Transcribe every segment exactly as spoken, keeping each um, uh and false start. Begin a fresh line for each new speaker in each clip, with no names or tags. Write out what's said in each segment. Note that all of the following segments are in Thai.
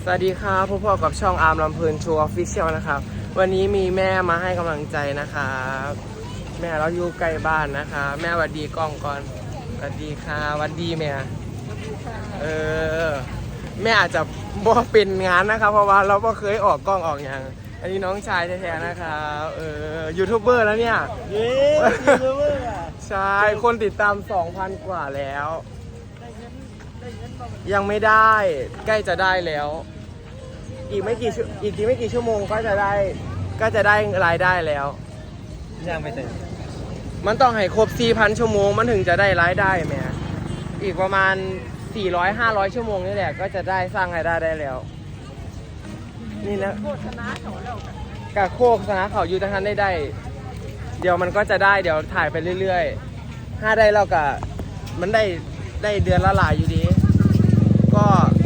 สวัสดีครับพบกับช่องอาร์มลำเพลินโชว์ออฟฟิเชียลนะครับวันนี้มีแม่มาให้กำลังใจนะครับแม่เราอยู่ใกล้บ้านนะคะแม่หวัดดีกล้องก่อนสวัสดีค่ะหวัดดีแม่เออแม่อาจจะบ่เป็นงานนะครับเพราะว่าเราก็เคยออกกล้องออกอย่างอันนี้น้องชายแท้ๆนะครับเออยูทูบเบอร์แล้วเนี่ย
เย้ยูทูบเบอร์อ่ะ
ใช่คนติดตาม สองพัน กว่าแล้วยังไม่ได้ใกล้จะได้แล้วอีกไม่กี่อีกไม่กี่ชั่วโมงก็จะได้ก็จะได้รายได้แล้ว
ยังไม่ถึง
มันต้องให้ครบ สี่พัน ชั่วโมงมันถึงจะได้รายได้แม่อีกประมาณ สี่ร้อย ห้าร้อย ชั่วโมงนี่แหละก็จะได้สร้างรายได้ได้แล้วนี่นะโฆษณาเขาแล้วกับโฆษณาเขาอยู่ทางนั้นได้ได้เดี๋ยวมันก็จะได้เดี๋ยวถ่ายไปเรื่อยๆถ้าได้เราก็มันได้ได้เดือนละหลายอยู่ดีก็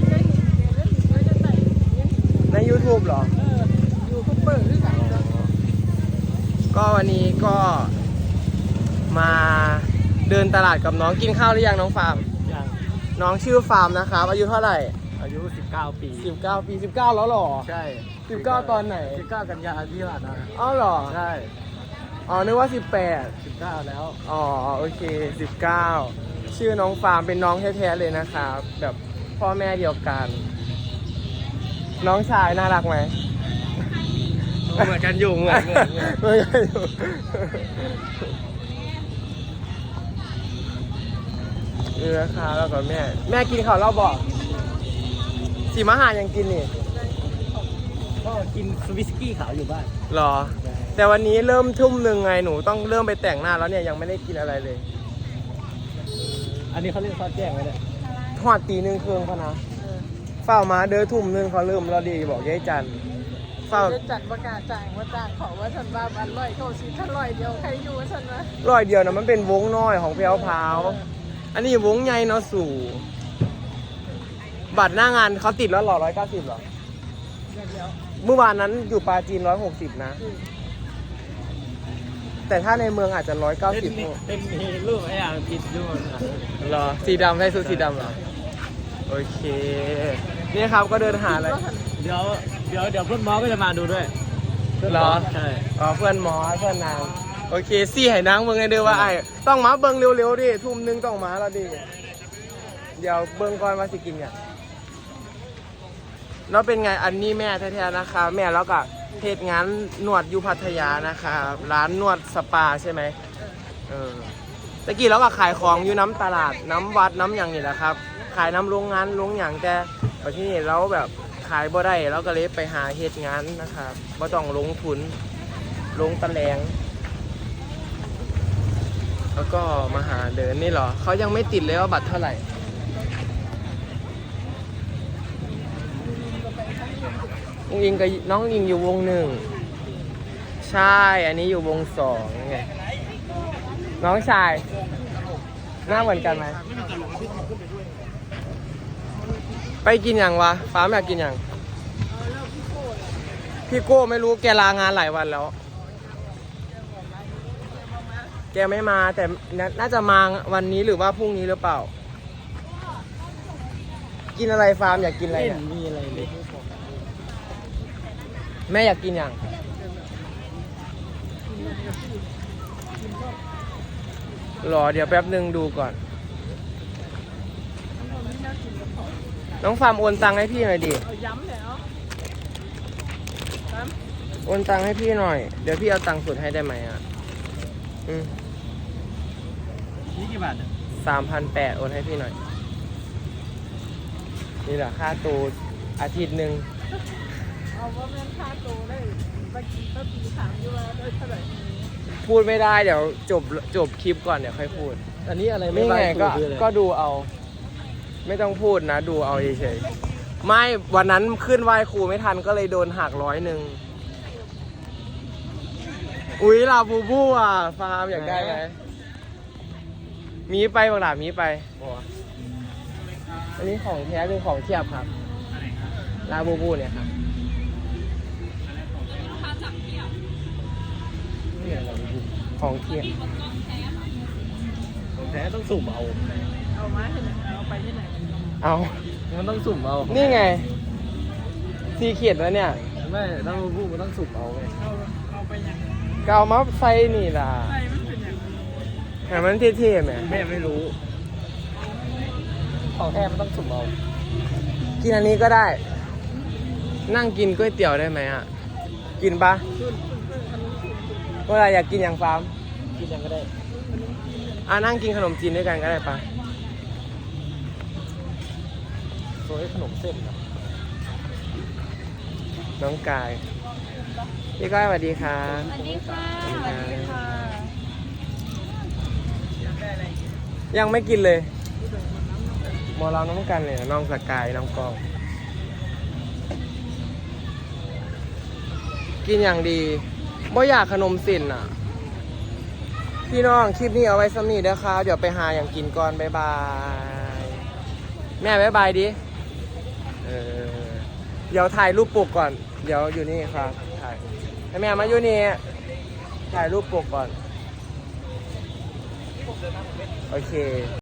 ใน YouTube เหรอเออยูทูบเบอร์หรือไงก็วันนี้ก็มาเดินตลาดกับน้องกินข้าวหรือยังน้องฟาร์ม
ยัง
น้องชื่อฟาร์มนะครับอายุเท่าไหร่
อายุสิบเก้าปี
สิบเก้าปีสิบเก้าแล้วหรอ
ใช่
สิบเก้าตอนไหน
สิบเก้ากันยาที่ผ่านมา
อ้าวหรอ
ใช่
อ๋อนึกว่าสิบแปด
สิบเก้าแล้ว
อ๋อโอเคสิบเก้าชื่อน้องฟาร์มเป็นน้องแท้ๆเลยนะครับแบบพ่อแม่เดียวกันน้องชายน่ารักไหม
เหมือนกันอยู่เหมือนเหมือนเหมือนกันอยู่
เออค่ะแล้วก็แม่แม่กินข้าวเราบอกสีมหายังกินนี่
ก็กินวิสกี้ขาวอยู่บ้าน
หรอแต่วันนี้เริ่มทุ่มหนึ่งไงหนูต้องเริ่มไปแต่งหน้าแล้วเนี่ยยังไม่ได้กินอะไรเลย
อันนี้เขาเรียกทอดแจ้งไหมเนี่ย
ทอดตีหนึ่งเครื่องพะนะเฝ้ามาเด้อทุ่มหนึ่งเขาเริ่มเราดีบอกยายจัน
เฝ้าจัดประกาศจ่ายว่าจ้างขอว่าฉันว่าบันร้อยเข้าสิท่านร้อยเดียวใครอยู่ฉันวะ
ร้อยเดียวนะมันเป็นวงน้อยของเพียวพาวอันนี้วงใหญ่เนาะสู่บัตรหน้างานเขาติดแล้วหรอร้อยเก้าสิบหรอเมื่อวานนั้นอยู่ปาจีนร้อยหกสิบนะแต่ถ้าในเมืองอาจจะร้อยเก้าสิบ
เป็นรูปไอ้อ่างติดด้วย
เหรอสีดำให้สูสีดำเหรอโอเคนี่ครับก็เดินหาอะไร
เดี๋ยวเดี๋ยวเดี๋ยวเพื่อนหมอก็จะมาดูด้วย
เหรอ
ใช่
อ๋อเพื่อนหมอเพื่อนนางโอเคซี่ให้นางเบิ่งไงเด้อว่าไอ้ต้องมาเบิ่งเร็วๆดิทุ่มนึงต้องมาแล้วดิเดี๋ยวเบิ่งก่อนว่าสิกินเนี่ยแล้วเป็นไงอันนี้แม่แท้ๆนะคะแม่แล้วก็เทศงานนวดอยู่พัทยานะคะร้านนวดสปาใช่ไหมเออตะกี้เราก็ขายของอยู่น้ำตลาดน้ำวัดน้ำอย่างนี่แหละครับขายน้ำโรงงานโรงอย่างแต่พอที่นี่เราแบบขายบ่ได้เราก็เลยไปหาเหตุงานนะครับบ่ต้องลงทุนลงตะแลงแล้วก็มาหาเดินนี่เหรอเขายังไม่ติดเลยว่าบัตรเท่าไหร่องอิงกับน้องอิงอยู่วงหนึ่งใช่อันนี้อยู่วงสองไงน้องชายหน้าเหมือนกันไหมไปกินอย่างวะฟ้าอยากกินอย่างพี่โก้ไม่รู้แกลางานหลายวันแล้วแกไม่มาแต่น่าจะมาวันนี้หรือว่าพรุ่งนี้หรือเปล่ากินอะไรฟาร์มอยากกินอะไรเนี่ย
มีอะไรเลย
แม่อยากกินอย่างรอเดี๋ยวแป๊บนึงดูก่อนน้องฟาร์มโอนตังค์ให้พี่หน่อยดิ
ย้ำแล้ว
โอนตังค์ให้พี่หน่อยเดี๋ยวพี่เอาตังค์สดให้ได้ไหมอ่ะอืม
นี่กี่บาทเนี่ย
สามพันแปดโอนให้พี่หน่อยนี่แหละค่าตัวอาทิตย์หนึ่ง
เอาว่าแม่ค่าตัวได้บางทีก็ปีถามอยู่ว่าได้เท่าไหร่
พูดไม่ได้เดี๋ยวจบจบคลิปก่อนเดี๋ยวค่อยพูด
อันนี้อะไร
ไม่ไงก็ก็ดูเอาไม่ต้องพูดนะดูเอาเฉยๆไม่วันนั้นขึ้นไหว้ครูไม่ทันก็เลยโดนหักร้อยหนึ่งอุ๊ยลาบูบูอ่ะฟาร์มอยากได้ไหมมีไปบางหลามีไปอันนี้ของแท้หรือของเทียบครับลาบูบูเนี่ยครับของเทียบ
ของแท้ต้องสุ่มเอา
เอามาที่ไหนเอาไปที่ไหน
เอา
มันต้องสุ่มเอา
นี่ไงซีเขียดแล้วเนี่ย
ไม่ถ้ามันพูดมันต้องสุกเอาไง
เอาเอาไปยัง
ก็เอามาใส่นี่ล่ะ
ใช่มันเป็นอย่างนี้
แต่มันเท่ๆไหม
แม่ไม่รู้ของแท้มันต้องสุกเอา
กินอันนี้ก็ได้ นั่งกินก๋วยเตี๋ยวได้ไหมอ่ะ กินปะเวลาอยากกินอย่างฟาร์ม
กินยังก็ได้
อ่ะนั่งกินขนมจีนด้วยกันก็ได้ปะ
โซยขนมเส้นนะ
น้องกาย พี่ก้อยสวัสดีครับ
สวัสดีค่ะสวัสดีค่ะอยากได้อะไรอีก
ยังไม่กินเลยหมอเราน้องกันเลยน้องสกายน้องกอง กินอย่างดีบ่อยากขนมสินอ่ะ พี่น้องคลิปนี้เอาไว้สำนีเด้อครับเดี๋ยวไปหาอย่างกินก่อน บ๊ายบาย แม่บ๊ายบายดิเออเดี๋ยวถ่ายรูปปกก่อน เดี๋ยวอยู่นี่ครับถ่ายให้แม่มาอยู่นี่ถ่ายรูปปกก่อน โอเค